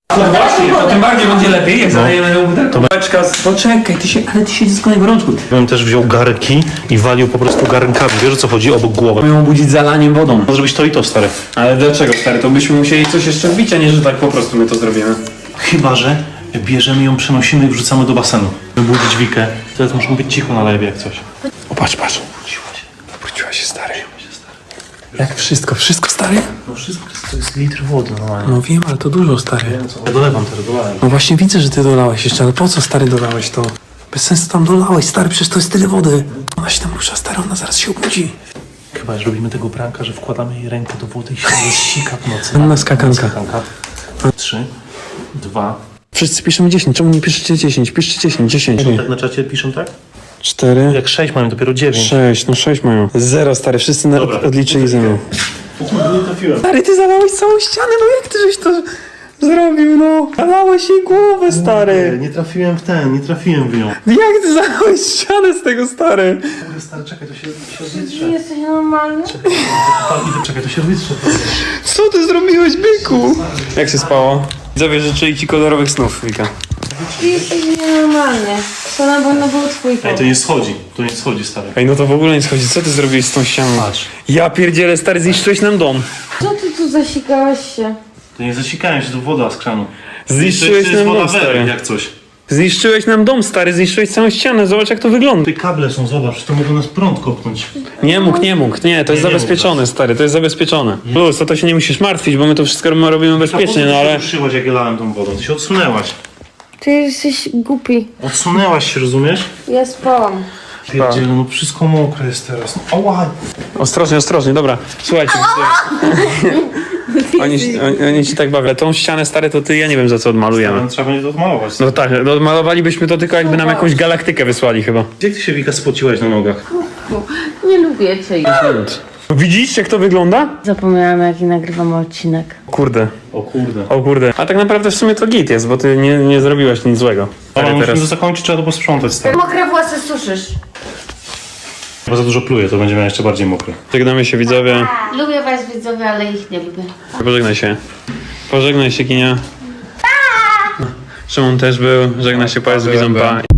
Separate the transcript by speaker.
Speaker 1: No właśnie, to tym bardziej będzie lepiej, jak zalejemy ją butelką. Poczekaj, ty się dziecko na gorączku.
Speaker 2: Ja bym też wziął garnki i walił po prostu garnkami. Wiesz o co chodzi? Obok głowy.
Speaker 1: Mają budzić zalaniem wodą.
Speaker 2: Może zrobić to i to, stary.
Speaker 1: Ale dlaczego, stary? To byśmy musieli coś jeszcze wbić, a nie, że tak po prostu my to zrobimy.
Speaker 2: Chyba że bierzemy ją, przenosimy i wrzucamy do basenu. Wybudzić Wikę. Teraz muszę być cicho na lewie jak coś.
Speaker 1: O, patrz. Obróciła się, stary. Jak wszystko stary?
Speaker 2: No wszystko to jest litr wody normalnie.
Speaker 1: No wiem, ale to dużo, stary.
Speaker 2: Ja dolewam teraz, dolewam.
Speaker 1: No właśnie widzę, że ty dolałeś jeszcze, ale po co, stary, dolałeś to? Bez sensu tam dolałeś, stary, przecież to jest tyle wody. Ona się tam rusza, stary, ona zaraz się obudzi.
Speaker 2: Chyba że robimy tego pranka, że wkładamy jej rękę do wody i się rozsika w nocy.
Speaker 1: Na skakanka.
Speaker 2: 3, 2.
Speaker 1: Wszyscy piszemy 10, czemu nie piszecie 10? Piszcie 10.
Speaker 2: Tak na czacie piszą tak?
Speaker 1: 4,
Speaker 2: Jak 6 mamy, dopiero 9.
Speaker 1: 6, no 6 mają. 0, stary, wszyscy
Speaker 2: Dobra.
Speaker 1: odliczyli ze mną.
Speaker 2: Nie trafiłem.
Speaker 1: Stary, ty zalałeś całą ścianę, no jak ty żeś to zrobił, no? Zalałeś jej głowę, stary.
Speaker 2: Nie trafiłem w ten, nie trafiłem w nią.
Speaker 1: Jak ty zalałeś ścianę z tego, stary?
Speaker 2: Stary, czekaj, to się wytrze.
Speaker 3: Jesteś normalny?
Speaker 2: Czekaj, to się wytrze.
Speaker 1: Co ty zrobiłeś, byku? Jak się spało? Widzowie życzyli ci kolorowych snów, Wika.
Speaker 3: Ty jesteś nienormalny. To na pewno był twój
Speaker 2: Ej,
Speaker 3: pomysł.
Speaker 2: to nie schodzi, stary.
Speaker 1: Ej, no to w ogóle nie schodzi. Co ty zrobiłeś z tą ścianą?
Speaker 2: Patrz.
Speaker 1: Ja pierdzielę, stary, zniszczyłeś nam dom.
Speaker 3: Co ty tu zasikałeś się?
Speaker 2: To nie zasikałem się, to woda z kranu.
Speaker 1: Zniszczyłeś
Speaker 2: To jest
Speaker 1: nam
Speaker 2: woda
Speaker 1: dom,
Speaker 2: Wery,
Speaker 1: stary.
Speaker 2: jak coś.
Speaker 1: Zniszczyłeś nam dom, stary, zniszczyłeś całą ścianę. Zobacz, jak to wygląda.
Speaker 2: Te kable są, zobacz, to mogą nas prąd kopnąć.
Speaker 1: Nie mógł. Nie, to jest
Speaker 2: nie
Speaker 1: zabezpieczone, stary, to jest zabezpieczone. Plus, to się nie musisz martwić, bo my to wszystko robimy bezpiecznie, no ale...
Speaker 2: Ty ruszyłaś, jak ja lałem tą wodą, ty się odsunęłaś.
Speaker 3: Ty jesteś głupi.
Speaker 2: Odsunęłaś się, rozumiesz?
Speaker 3: Ja spałam.
Speaker 2: Pierdziele, no wszystko mokre jest teraz. No, ała!
Speaker 1: Ostrożnie, dobra. Słuchajcie, oni ci tak bawią. Ale tą ścianę, stary, to ty, ja nie wiem, za co odmalujemy.
Speaker 2: Trzeba będzie to odmalować.
Speaker 1: No tak, no odmalowalibyśmy to tylko jakby nam jakąś galaktykę wysłali chyba.
Speaker 2: Jak ty się, Wika, spociłaś na nogach?
Speaker 3: Nie lubię cię.
Speaker 1: Widzisz, jak to wygląda?
Speaker 3: Zapomniałam, jaki nagrywamy odcinek.
Speaker 1: Kurde.
Speaker 2: O kurde.
Speaker 1: O kurde. A tak naprawdę w sumie to git jest, bo ty nie zrobiłeś nic złego.
Speaker 2: Ale
Speaker 1: Stary,
Speaker 2: musimy to zakończyć, trzeba to posprzątać, stary.
Speaker 3: Mokre włosy suszysz.
Speaker 2: Bo za dużo pluje, to będzie miał jeszcze bardziej mokre.
Speaker 1: Żegnamy się, widzowie.
Speaker 3: Lubię was, widzowie, ale ich nie lubię.
Speaker 1: Pożegnaj się, Kinia. Szymon też był. Żegna się, powiedz widzom, pa.